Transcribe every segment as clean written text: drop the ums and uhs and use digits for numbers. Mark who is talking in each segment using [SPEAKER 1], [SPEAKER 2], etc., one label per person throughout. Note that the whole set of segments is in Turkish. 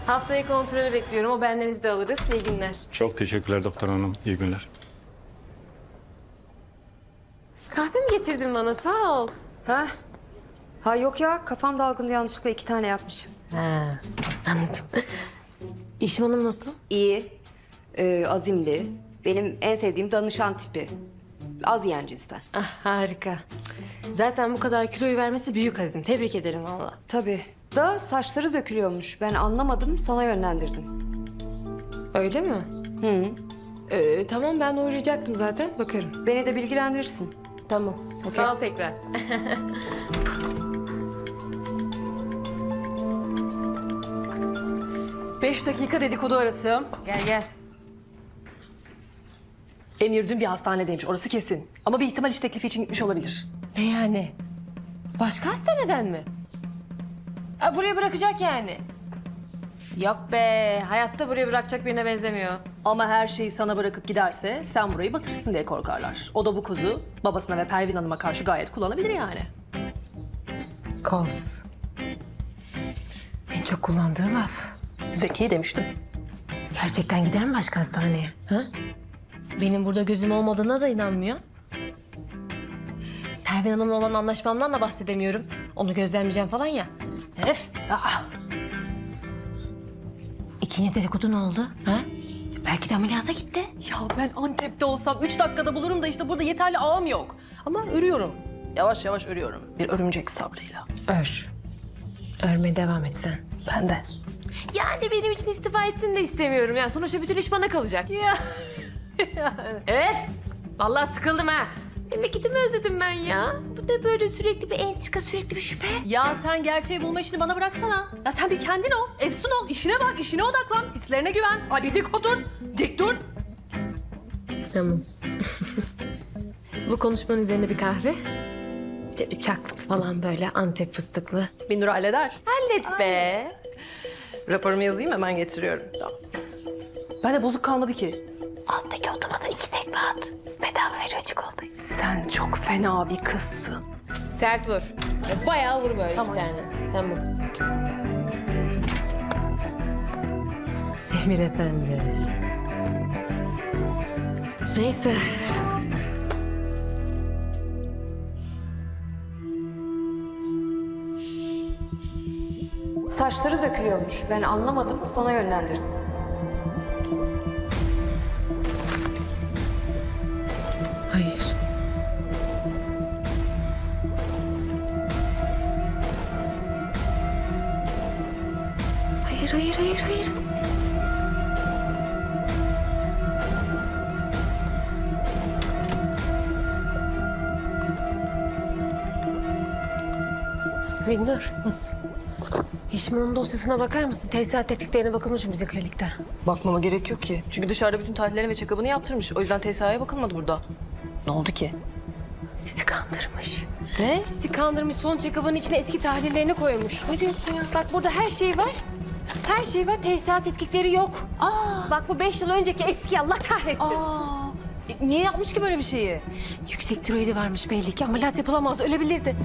[SPEAKER 1] Haftaya kontrolü bekliyorum. O benden izin de alırız. İyi günler.
[SPEAKER 2] Çok teşekkürler doktor hanım. İyi günler.
[SPEAKER 1] Kahve mi getirdin bana? Sağ ol.
[SPEAKER 3] Ha? Ha yok ya, kafam dalgındı, yanlışlıkla 2 tane yapmışım.
[SPEAKER 1] Ha, anladım. İşim Hanım nasıl?
[SPEAKER 3] İyi, azimli. Benim en sevdiğim danışan tipi. Az yiyen cinsten.
[SPEAKER 1] Ah, harika. Zaten bu kadar kiloyu vermesi büyük azim. Tebrik ederim valla.
[SPEAKER 3] Tabii. Da saçları dökülüyormuş. Ben anlamadım, sana yönlendirdim.
[SPEAKER 1] Öyle mi?
[SPEAKER 3] Hı.
[SPEAKER 1] Tamam, ben uğrayacaktım zaten. Bakarım.
[SPEAKER 3] Beni de bilgilendirirsin.
[SPEAKER 1] Tamam. Sağ ol tekrar.
[SPEAKER 4] Beş dakika dedikodu arası.
[SPEAKER 1] Gel gel.
[SPEAKER 4] Emir dün bir hastanedeymiş, orası kesin. Ama bir ihtimal iş teklifi için gitmiş olabilir.
[SPEAKER 1] Ne yani? Başka hastaneden mi? Ha, buraya bırakacak yani. Yok be, hayatta buraya bırakacak birine benzemiyor.
[SPEAKER 4] Ama her şeyi sana bırakıp giderse sen burayı batırırsın diye korkarlar. O da bu kozu babasına ve Pervin Hanım'a karşı gayet kullanabilir yani.
[SPEAKER 1] Koz. En çok kullandığı laf.
[SPEAKER 4] Zeki demiştim.
[SPEAKER 1] Gerçekten gider mi başka hastaneye? Ha? Benim burada gözüm olmadığına da inanmıyor. Pervin Hanım'la olan anlaşmamdan da bahsedemiyorum. Onu gözlemleyeceğim falan ya. Öf. Aa. İkinci dedikodu ne oldu? Ha? Belki de ameliyata gitti.
[SPEAKER 4] Ya ben Antep'te olsam 3 dakikada bulurum da işte burada yeterli ağım yok. Ama örüyorum. Yavaş yavaş örüyorum. Bir örümcek sabrıyla.
[SPEAKER 1] Ör. Örmeye devam et sen.
[SPEAKER 4] Ben de.
[SPEAKER 1] Yani benim için istifa etsin de istemiyorum. Ya sonuçta bütün iş bana kalacak.
[SPEAKER 4] Ya.
[SPEAKER 1] Öf! Vallahi sıkıldım ha. Memleketimi özledim ben ya. Bu da böyle sürekli bir entrika, sürekli bir şüphe.
[SPEAKER 4] Ya sen gerçeği bulma işini bana bıraksana. Ya sen bir kendin ol, efsun ol, işine bak, işine odaklan, hislerine güven. Hadi dik otur, dik dur.
[SPEAKER 1] Tamam. Bu konuşmanın üzerine bir kahve. Bir de bir chocolate falan böyle Antep fıstıklı.
[SPEAKER 4] Binur halleder.
[SPEAKER 1] Hallet be.
[SPEAKER 4] Raporumu yazayım hemen getiriyorum. Tamam. Ben de bozuk kalmadı ki.
[SPEAKER 1] Alttaki otomata 2 tekme at. Bedava veriyor çikolatayı.
[SPEAKER 4] Sen çok fena bir kızsın.
[SPEAKER 1] Sert vur. Bayağı vur böyle
[SPEAKER 4] Tamam.
[SPEAKER 1] 2 tane. Tamam. Emir Efendi. Neyse.
[SPEAKER 3] Saçları dökülüyormuş. Ben anlamadım, sana yönlendirdim.
[SPEAKER 1] Hayır. Hayır. Binnur. Hişman'ın dosyasına bakar mısın? Tesisat tetkiklerine bakılmış mı bize klinikte?
[SPEAKER 4] Bakmama gerek yok ki. Çünkü dışarıda bütün tahlillerini ve check-up'ını yaptırmış. O yüzden TSA'ya bakılmadı burada. Ne oldu ki?
[SPEAKER 1] Bizi kandırmış.
[SPEAKER 4] Ne?
[SPEAKER 1] Bizi kandırmış, son check-up'ın içine eski tahlillerini koymuş. Ne diyorsun ya? Bak burada her şey var. Her şey var, tesisat tetkikleri yok. Bak bu 5 yıl önceki eski, Allah kahretsin.
[SPEAKER 4] Niye yapmış ki böyle bir şeyi?
[SPEAKER 1] Yüksek tiroidi varmış belli ki, ameliyat yapılamaz, ölebilirdi.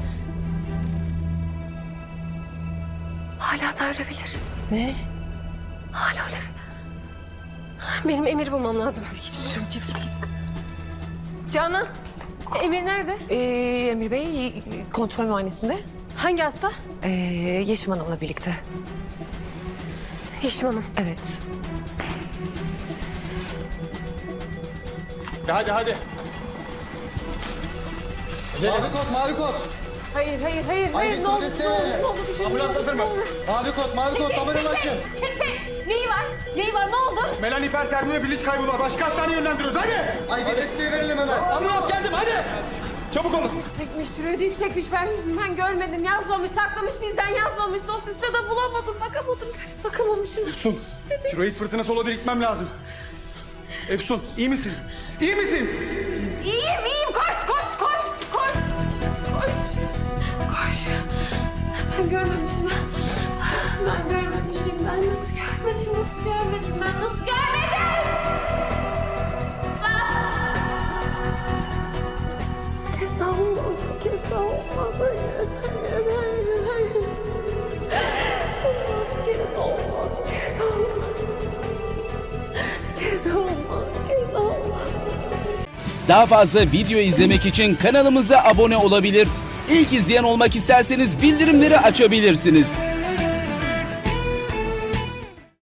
[SPEAKER 1] Hala da ölebilir.
[SPEAKER 4] Ne?
[SPEAKER 1] Hala ölebilir. Benim Emir bulmam lazım. Git. Canan, Emir nerede?
[SPEAKER 5] Emir Bey kontrol muayenesinde.
[SPEAKER 1] Hangi hasta?
[SPEAKER 5] Yeşim Hanım'la birlikte.
[SPEAKER 1] Yeşim Hanım.
[SPEAKER 5] Evet.
[SPEAKER 2] Hadi.
[SPEAKER 6] Mavi kod, mavi kod.
[SPEAKER 1] Hayır.
[SPEAKER 6] Haydi
[SPEAKER 1] Ne oldu?
[SPEAKER 6] desteğe.
[SPEAKER 1] Ne oldu? Bir şey
[SPEAKER 2] Ambulans hazır mı?
[SPEAKER 6] Mavi kod, kamerayı açın.
[SPEAKER 1] Neyi var? Ne oldu?
[SPEAKER 2] Melan hipertermi ve bilinç kaybı var. Başka hastaneye yönlendiriyoruz. Hadi.
[SPEAKER 6] Haydi desteği verelim hemen.
[SPEAKER 2] Ambulans geldim hadi. Çabuk olun.
[SPEAKER 1] Yüksekmiş, tiroidi yüksekmiş. Ben görmedim. Yazmamış, saklamış bizden yazmamış. Dosyasında da bulamadım. Bakamamışım.
[SPEAKER 2] Efsun, tiroid fırtınası olabilir, gitmem lazım. Efsun, iyi misin? İyi misin?
[SPEAKER 1] İyiyim. Koş. Ben görmemişim. Ben nasıl görmedim? Kez daha olmaz. Hayır. Olmaz, bir kere de olmaz.
[SPEAKER 7] Daha fazla video izlemek için kanalımıza abone olabilir. İlk izleyen olmak isterseniz bildirimleri açabilirsiniz.